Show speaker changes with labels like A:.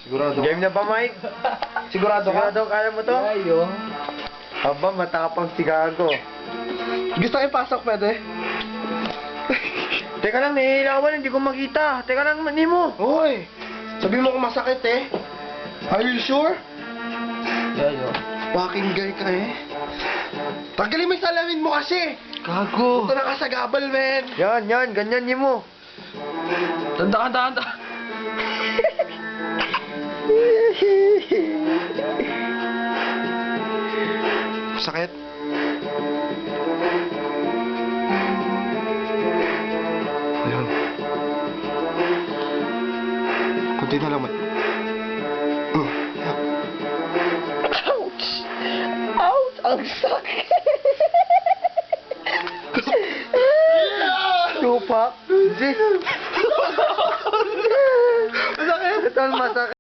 A: Sigurado.
B: Game na ba, Mike?
A: Sigurado ka?
B: Sigurado kaya mo to?
C: Ayo.
B: Aba, matapang si Gago.
A: Gusto ko ipasok, pwede?
B: Teka lang, nahihilawan, hindi ko makita. Teka lang, mani mo.
A: Hoy! Sabi mo kung masakit eh. Are you sure?
C: Ayo.
A: Fucking guy ka eh. Tanggalin mo yung salamin mo kasi!
B: Gago.
A: Ito na ka sa gabal, man!
B: Yan, ganyan niyo mo.
C: Tanda.
A: Sakit? Ayun. Kunti na lang, man.
B: Ouch! Ouch! Ang sakit! Tupak? Masakit? Ito ang masakit.